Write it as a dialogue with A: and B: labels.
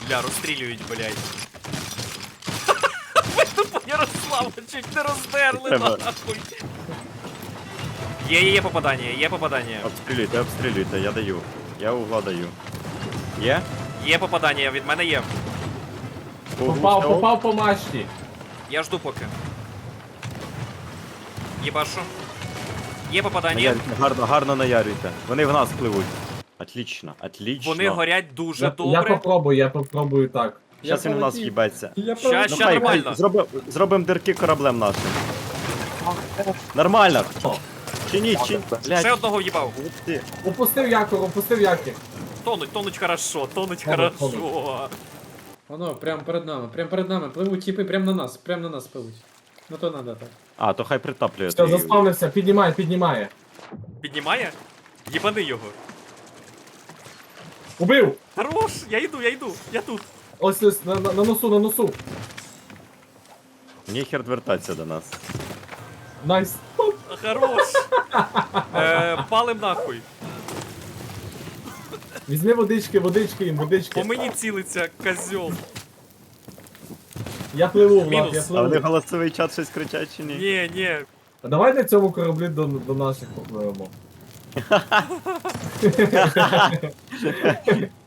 A: Бля, розстрілюють, блядь. Ви тупо Ярослава чуть не роздерли,
B: Треба.
A: нахуй. Є попадання, є попадання.
B: Обстрілюйте, обстрілюйте, я даю. Я угла даю. Є?
A: Є попадання, від мене є.
C: Попав по мачті.
A: Я жду поки. Єбашу. Є попадання.
B: Наярюйте, гарно наярюйте. Вони в нас пливуть. Отлично, отлично.
A: Вони горять дуже
C: Я
A: добре.
C: попробую так.
B: Щас він в нас їбеться.
A: Ща нормально.
B: Зробимо дирки кораблем нашим. Нормально. Чиніть.
A: Ще
B: Блядь.
A: одного в'їбав.
B: Ух ти.
C: Опустив якір.
A: Тонуть хорошо, тонуть
C: Тонуть,
A: хорошо.
D: Воно, прямо перед нами. Пливуть тіпи, прямо на нас пливуть. Ну то надо так.
B: А, то хай притаплює.
C: Все, заспавнився, піднімає.
A: Піднімає? Єбани його.
C: Убив!
A: Хорош, я йду, я тут.
C: Ось, на носу.
B: Ніхер вертатися до нас.
C: Найс.
A: Хорош. Палим нахуй.
C: Візьми водички їм.
A: По мені цілиться козьол.
C: Я пливу, Влад,
A: Мінус.
C: я
B: А вони
C: пливу.
B: голосовий чат щось кричать чи ні?
A: Ні.
C: А давай на цьому кораблі до наших попливемо.